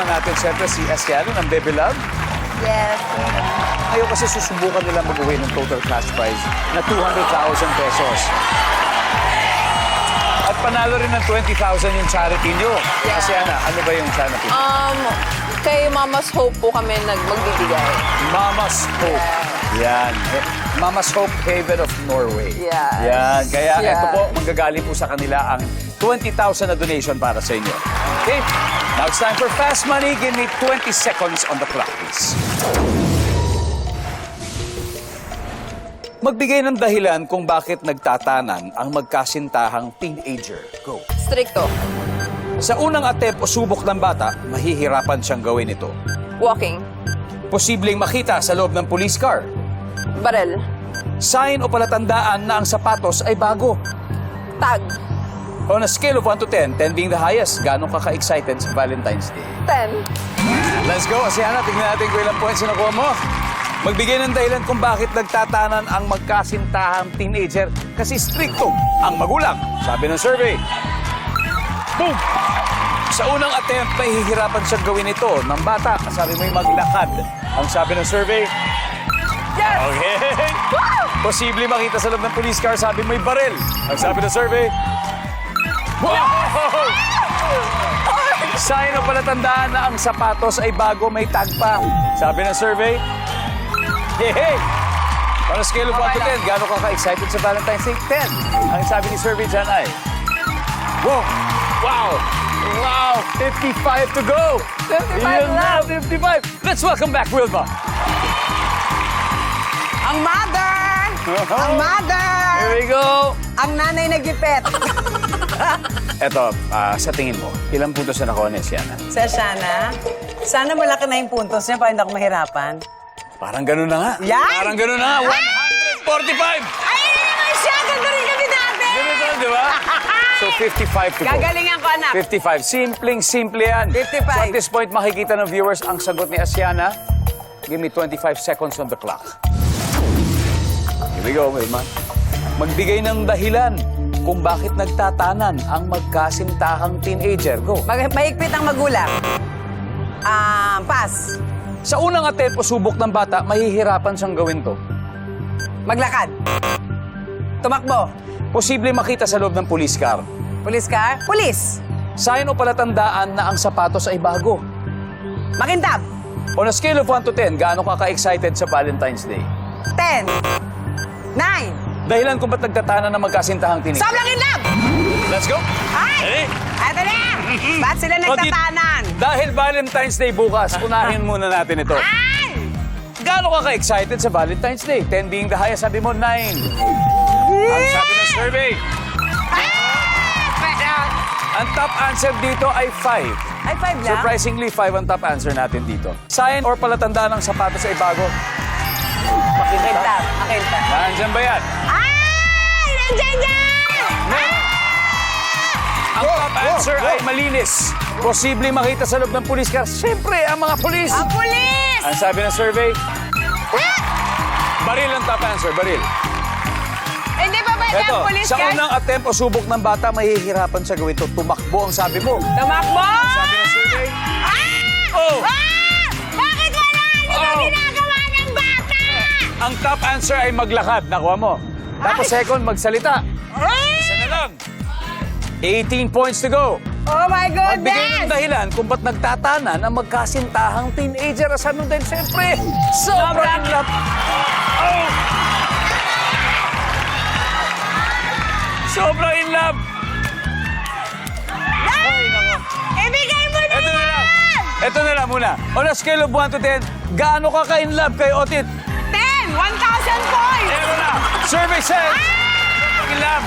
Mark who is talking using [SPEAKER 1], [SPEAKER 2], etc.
[SPEAKER 1] kasama natin siyempre si Asiano ng Baby Love.
[SPEAKER 2] Yes.
[SPEAKER 1] Ngayon kasi susubukan nila mag-uwi ng total cash prize na 200,000 pesos. At panalo rin ng 20,000 yung charity nyo.
[SPEAKER 2] Yeah.
[SPEAKER 1] Asiana, ano ba yung charity?
[SPEAKER 2] Kay Mama's Hope po kami magbibigay.
[SPEAKER 1] Mama's Hope. Yan. Mama's Hope Haven of Norway.
[SPEAKER 2] Yes.
[SPEAKER 1] Yan. Kaya
[SPEAKER 2] Yeah.
[SPEAKER 1] ito po, manggagaling po sa kanila ang 20,000 na donation para sa inyo. Okay? Now it's time for Fast Money. Give me 20 seconds on the clock, please. Magbigay ng dahilan kung bakit nagtatanan ang magkasintahang teenager. Go.
[SPEAKER 2] Stricto.
[SPEAKER 1] Sa unang attempt o subok ng bata, mahihirapan siyang gawin ito.
[SPEAKER 2] Walking.
[SPEAKER 1] Posibleng makita sa loob ng police car.
[SPEAKER 2] Barel.
[SPEAKER 1] Sign o palatandaan na ang sapatos ay bago.
[SPEAKER 2] Tag.
[SPEAKER 1] On a scale of 1 to 10, 10 being the highest, gano'ng ka-excited sa Valentine's Day?
[SPEAKER 2] 10.
[SPEAKER 1] Let's go, Asiana. Tignan natin kung ilang points na nakuha mo. Magbigay ng dahilan kung bakit nagtatanan ang magkasintahang teenager kasi stricto ang magulang, sabi ng survey. Boom! Sa unang attempt, mahihirapan siyang gawin ito ng bata. Sabi mo'y maglakad. Ang sabi ng survey.
[SPEAKER 2] Yes!
[SPEAKER 1] Okay. Posible makita sa loob ng police car. Sabi mo'y baril. Ang sabi ng survey. Wow! Sign o palatandaan na ang sapatos ay bago, may tag pa. Sabi ng survey. Hey! Para scale of 1 to 10, gano'n ka ka-excited sa Valentine's Day? 10. Ang sabi ni survey dyan ay. Wow! Wow! Wow! 55 to go!
[SPEAKER 2] 55
[SPEAKER 1] Yun na,
[SPEAKER 2] left.
[SPEAKER 1] 55! Let's welcome back, Wilma.
[SPEAKER 3] Ang mother! Ang mother!
[SPEAKER 1] Here we go!
[SPEAKER 3] Ang nanay nagipet.
[SPEAKER 1] Eto, sa tingin mo, ilang puntos na nakuha ni Asiana?
[SPEAKER 3] Sa Shana, sana malaki na yung puntos niya para hindi ako mahirapan.
[SPEAKER 1] Parang ganun na nga.
[SPEAKER 3] Yan!
[SPEAKER 1] Parang ganun na nga. 145!
[SPEAKER 3] Ay, ano naman siya? Ganda rin kami dati!
[SPEAKER 1] Ganun na, di ba? So, 55 to go.
[SPEAKER 3] Gagalingan ko, anak.
[SPEAKER 1] 55. Simpleng-simple yan.
[SPEAKER 3] 55.
[SPEAKER 1] So at this point, makikita ng viewers ang sagot ni Asiana. Give me 25 seconds on the clock. Here we go, Wilma. Magbigay ng dahilan kung bakit nagtatanan ang magkasintahang teenager. Go.
[SPEAKER 3] Mahigpit ang magulang. Pass.
[SPEAKER 1] Sa unang attempt o subok ng bata, mahihirapan siyang gawin to.
[SPEAKER 3] Maglakad. Tumakbo.
[SPEAKER 1] Posible makita sa loob ng police car.
[SPEAKER 3] Police car. Police.
[SPEAKER 1] Sign o palatandaan na ang sapatos ay bago.
[SPEAKER 3] Makintab.
[SPEAKER 1] On a scale of 1 to 10, gaano ka ka-excited sa Valentine's Day?
[SPEAKER 3] 10. 9.
[SPEAKER 1] Dahilan kung ba't nagtatanan ng magkasintahang teenager.
[SPEAKER 3] Sobrang in love!
[SPEAKER 1] Let's go!
[SPEAKER 3] Ay! Ito na! Ba't sila nagtatanan?
[SPEAKER 1] Dahil Valentine's Day bukas, unahin muna natin ito.
[SPEAKER 3] Ay!
[SPEAKER 1] Gaano ka ka-excited sa Valentine's Day? 10 being the highest, sabi mo 9. Ang sabi ng survey. Ang top answer dito ay 5.
[SPEAKER 3] Ay, 5 lang?
[SPEAKER 1] Surprisingly, 5 ang top answer natin dito. Sign or palatandaan ng sapatos ay bago?
[SPEAKER 3] Makintab. Makintab.
[SPEAKER 1] Nandyan ba yan?
[SPEAKER 3] Ay! Nandiyan yan!
[SPEAKER 1] Ang top answer ay malinis. Posible makita sa loob ng police car. Siyempre, ang mga polis.
[SPEAKER 3] Ang pulis!
[SPEAKER 1] Ang sabi ng survey, baril ang top answer, baril.
[SPEAKER 3] Hindi pa ba
[SPEAKER 1] Eto,
[SPEAKER 3] ang pulis
[SPEAKER 1] sa
[SPEAKER 3] ka?
[SPEAKER 1] unang attempt o subok ng bata, mahihirapan siya gawin ito. Tumakbo ang sabi mo.
[SPEAKER 3] Tumakbo!
[SPEAKER 1] Sabi ng survey,
[SPEAKER 3] Ah!
[SPEAKER 1] oh!
[SPEAKER 3] Bakit wala? Ano ba
[SPEAKER 1] Oh!
[SPEAKER 3] ginagawa ng bata?
[SPEAKER 1] Ang top answer ay maglakad. Nakuha mo. Tapos second, magsalita. Isa na lang. 18 points to go.
[SPEAKER 3] Oh my
[SPEAKER 1] Magbigay ng
[SPEAKER 3] goodness!
[SPEAKER 1] dahilan kung ba't nagtatanan ang magkasintahang teenager. Asan nun din, siyempre, sobrang in love. Oh! Sobrang in love. Ay, nako.
[SPEAKER 3] Ibigay mo na
[SPEAKER 1] Ito na lang.
[SPEAKER 3] yan!
[SPEAKER 1] Ito na lang muna. On a scale of 1 to 10, gaano ka ka-in love kay Otit?
[SPEAKER 3] 10! 1,000 points!
[SPEAKER 1] Ito na. Survey says, in love.